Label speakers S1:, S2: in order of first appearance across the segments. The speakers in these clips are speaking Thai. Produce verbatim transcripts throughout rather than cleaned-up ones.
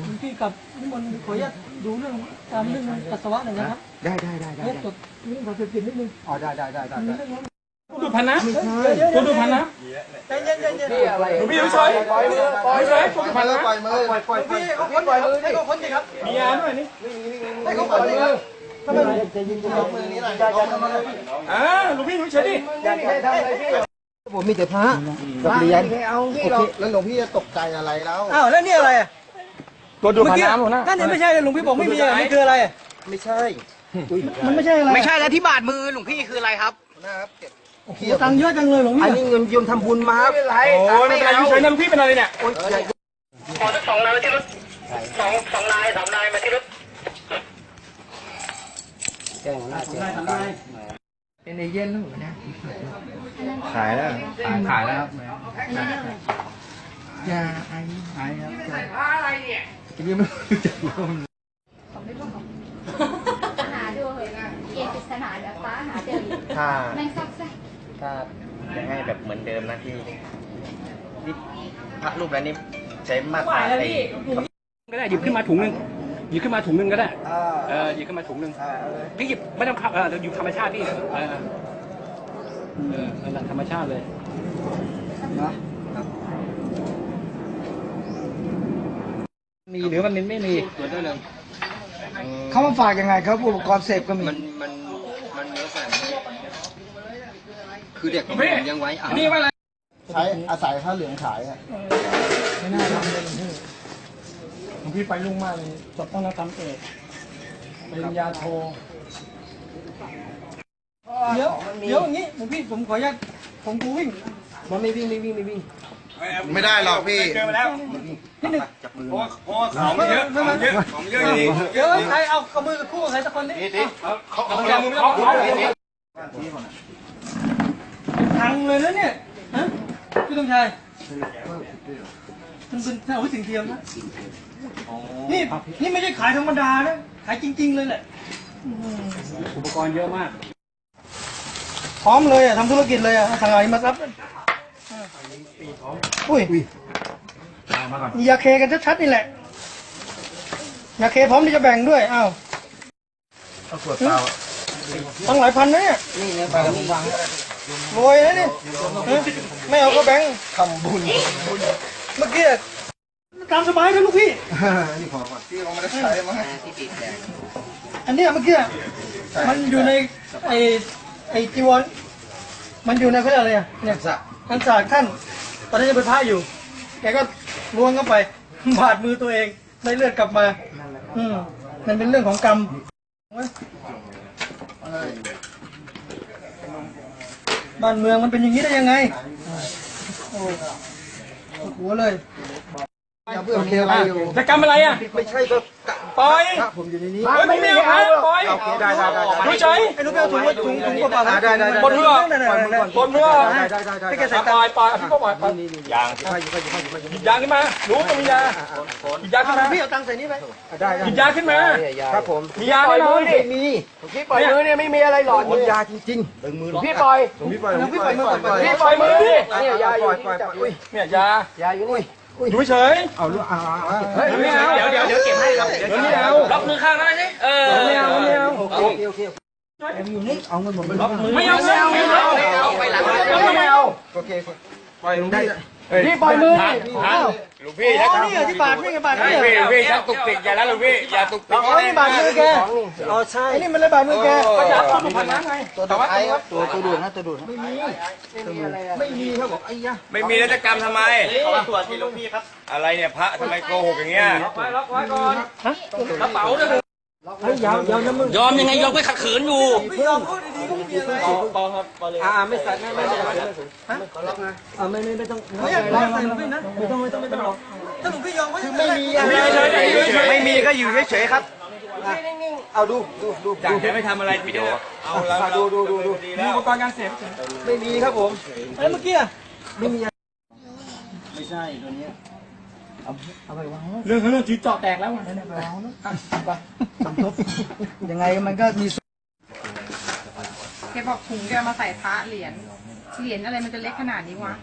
S1: หลวงพี่กับนิมนต์ขออนุญาตดูเรื่องการเรื่องปัสสาวะหน่อยนะครับ
S2: ได้ได้ได้ได้
S1: จดเรื่องของเสพติดนิดนึง
S2: อ๋อได้ได้ได้ได้
S3: ดูพันนะตัวดูพันนะ
S1: ใจเย็นใจเย็น
S3: หลวงพี่เฉยปล่อยมือปล่อยเฉยตัวดูพันนะ
S2: ปล่อยมือปล่อยปล่อย
S1: พี่เขาพ้นปล่อยมือให้เขาพ้นสิครับ
S3: มียาด้วยนี่
S1: ให้เขาพ้นสิครับทำไมใจเย็นใจมือนี้หน่อยอย่าทำอะไร
S3: อ่าหลวงพี่เฉยดิ
S1: อย่าทำอะไรพี่
S2: ผมมีแต่พระกับเหรียญเอาพี่เราแล้วหลวงพี่จะตกใจอะไรแล้ว
S1: อ้าวแล้วนี่อะไรอ่ะ
S3: ตัวดูพันน้ำหมดนะ
S1: นั่นนี่ไม่ใช่หลวงพี่บอกไม่มีอะไรนี่คืออะไร
S2: ไม่ใช่
S1: มันไม่ใช่อะไร
S4: ไม่ใช่แล้วที่บาดมือหลวงพี่คืออะไรครับ
S2: นะครับเก็บ
S1: โอ้โหตังค์เยอะจังเลยหลวงพี่
S2: อันนี้เงินโยมทำบุญมาครับ
S3: โอ้ไม่เป็นไรเฉยนะหลวงพี่เป็นอะไรเนี่ย
S4: ขอสักสองนายมาที่รถสองสองนายสามนายมาที่รถ
S2: แจ้งหน้าแจ้งเป็นในเย็นแล้วนะขายแล้วขายขายแล้วยาไอไอครับ
S4: ใส่ผ้าอะไรเนี่ย
S2: ยังไม่รู้จักเลย
S5: หาดูเหยเอกปริศนาเดี๋ยวฟ้าหาเจอ
S2: ถ้า
S5: แมงซักไส้
S2: ถ้าจะให้แบบเหมือนเดิมนะที่นี่พระรูปนั้นนี่ใช้มาตราไอ้
S3: ก็ได้หยิบขึ้นมาถุงนึงหยิบขึ้นมาถุงนึงก็ได้เออหยิบขึ้นมาถุงนึงพี่หยิบไม่ต้องขับเออหยิบธรรมชาติพี่เออเออนั่นแหละธรรมชาติเลย
S2: นะ
S3: มีหรือมันไม่มีส่วนด้วยเลย
S1: เขามาฝากยังไงครับอุปกรณ์เสพก็มี
S2: มันมันมันเนื้อสัตว์คือเด็กผมยังไว้อ่ะ
S3: นี่ว่าอะไร
S2: ใช้อาศัยผ้าเหลืองขายอ่ะ
S1: ไม่น่าทำเลยหลวงพี่หลวงพี่ไปลุ่งมากเลยจบต้องรับทำเอกปริญญาโทเดี๋ยวเดี๋ยวอย่างนี้หลวงพี่ผมขออนุญาตผมกูวิ่ง
S2: มันไม่วิ่งไม่วิ่งไม่วิ่ง
S6: ไม่ได้หรอกพี่
S3: เจอมาแล้ว
S1: นิดนึง
S3: เพราะเพราะของเยอะของเยอะของเยอะจริง
S1: เดี๋ยวใครเอากระมือคู่ใครสักคนนี้
S3: เขาเอาเอาเอา
S1: พังเลยนะเนี่ยฮะพี่ต้องชัยมันเป็นอาวุธสิ่งเทียมนะนี่นี่ไม่ใช่ขายธรรมดานะขายจริงๆเลยแหละ
S3: อุปกรณ์เยอะมาก
S1: พร้อมเลยอ่ะทำธุรกิจเลยอ่ะสั่งอะไรมาซับอุ้ยยาเคกันชัดๆนี่แหละยาเคพร้อมที่จะแบ่งด้วยอ้าว
S2: เอาขวดเปล่า
S1: ตั้งหลายพันนะเนี่ย
S2: นี่เนี่ยปลาผมวาง
S1: รวยนะนี่ไม่เอาก็แบ่ง
S2: ทำบุญ
S1: เมื่อกี้ตามสบายนะลูกพี่
S2: นี่ขอก่อนพี่เอามาได้ใช้มาที่ปีกแดง
S1: อันนี้เมื่อกี้มันอยู่ในไอไอจีวรมันอยู่ในเขาเรียกอะไรอ่ะเนี่ยท่านศาสตร์ท่านตอนนี้จะเป็นพระอยู่แกก็ล้วงเข้าไปบาดมือตัวเองได้เลือดกลับมาอืมมันเป็นเรื่องของกรรมบ้านเมืองมันเป็นอย่างนี้ได้ยังไงโอ้หัวเลย
S2: โอเคอะไรอยู่
S3: จะกรรมอะไรอ่ะ
S2: ไม่ใช่ก็
S3: ปล่อย
S2: ผมอยู่ในนี้
S3: ไม่มีอะไรปล่อย
S2: ได้ได้ได้
S3: ดูเฉย
S1: ไอ้ลูกแก้วถุงถุงถุงกระเป๋า
S2: ได้ได้
S3: บนเรือบนเรือ
S1: ให้แกใส่
S3: ปล่อยปล่อยพี่ก็ปล่อยยางหยิบยางขึ้นมารู้ก็มียาหยิบยาขึ้นมา
S1: พี่เอาตังค์ใส่นี่ไหม
S2: ได้
S3: หยิบยาขึ้นมา
S2: ครับผม
S3: มียาแน่นอน
S2: ไม่มี
S4: พี่ปล่อยมือเนี่ยไม่มีอะไรหลอน
S2: มียาจริงๆดึงมือ
S4: พี่ปล่อย
S2: พี่ปล่อยพี่ปล่อยมือ
S3: พี่ปล่อยมือดิ
S4: เนี่ยยาอยู่
S3: เนี่ยย
S4: ายาอยู่นี่
S3: ดูเฉย
S2: เอาลูกเอา
S3: เฮ้ยไม่เอา
S4: เดี๋ยวเดี๋ยวเดี๋ยวเก็บให้ครับ
S3: เดี๋ยวไม่เอา
S4: ล็อกมือข้างได้ไหมเออ
S3: ไม่เอาไม่เอา
S2: โอเคโอเคอยู่นี่เอาเงินผมไปล็อกมือ
S3: ไม่เอาไม่เอาไม่เอา
S4: ไปหลัง
S3: ไม่เอา
S2: โอเคปล่อยลงได้
S4: พี่ปล่อยมือ
S3: ลูกพี่
S1: อ๋อนี่เหรอที่บาดนี่ไงบาดนี่
S3: ลูกพี่ลูกพี่ชักตุกติกอย่าแล้วลูกพี่อย่าตุกติก
S1: อ๋อนี่บาดมือแกอ๋อใช่ไอ้นี่มันเลยบาดมือแก
S3: ก็จะตัวดูพันน้ำไง
S2: ตัวดูไอ้ครับตัวตัวดูนะตัวดูไม่มีไม่มีครับบอกไอ้ยะ
S6: ไม่มีแล้วจะกรรมทำไม
S4: ตรวจที่ลูกพี่ครับ
S6: อะไรเนี่ยพระทำไมโกหกอย่างเงี้ย
S3: ล็อกไว้ล็อกไว้ก่อนฮะกระเป๋าเนี่ย
S1: ยาวยาวนะมึง
S4: ยอมยังไงยอมไปขัดขืนอยู่
S1: ไม่ยอมพูดดีๆก็ไม่มีอะไร
S4: ปอครับปอเลย
S1: อ่าไม่ใส่ไม่ไม่ไม่ไม่ฮะขอล็อกนะอ่าไม่ไม่ไม่ต้องไม่อยากล็อกใส่หลวงพี่นะไม่ต้องไม่ต้องไม่ต้องล็อกถ้าหลวงพี่ยอมก็คือไม่มี
S4: ไม่มีก็อยู่เฉยๆครับ
S2: เอาดูดูดู
S6: อยากจะไม่ทำอะไรวิดีโอเอาแล้ว
S2: ดูดูดูดู
S3: มีอุปกรณ์การเสพ
S2: ไม่มีครับผม
S1: แล้วเมื่อกี้
S2: ไม่มีไม่ใช่ตัวนี้เอาเอาไปวาง
S3: เรื่องเรื่องจีเจาะแตกแล้ว
S1: ไม่ได้ไปวางนะไปสมทบยังไงมันก็มี
S5: แกบอกถุงแกมาใส่พระเหรียญเหรียญอะไรมันจะเล็กขนาดนี้วะ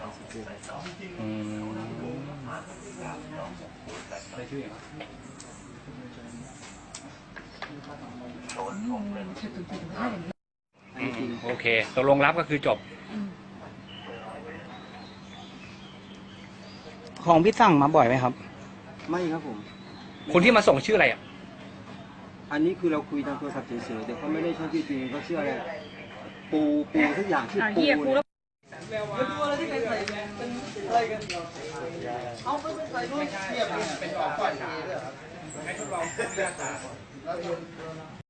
S3: อืมโอเคตกลงรับก็คือจบ
S2: ของพี่สั่งมาบ่อยไหมครับ
S7: ไม่ครับผม
S3: คนที่มาส่งชื่ออะไรอ่ะ
S7: อันนี้คือเราคุยทางโทรศัพท์เฉยๆแต่เขาไม่ได้ใช้ชื่อจริงเขาชื่ออะไรปูปูทุกอย่างชื่อ
S5: อ่ะ
S7: ปู
S5: เฮียกู
S7: เนี่
S5: แล้
S7: ยว
S1: แล้วดูอะไรที่เป็นใส่เป็นอะไรกันเอาไปเป็นใส่ด้วยเทียบเป็นของก่อนด้วย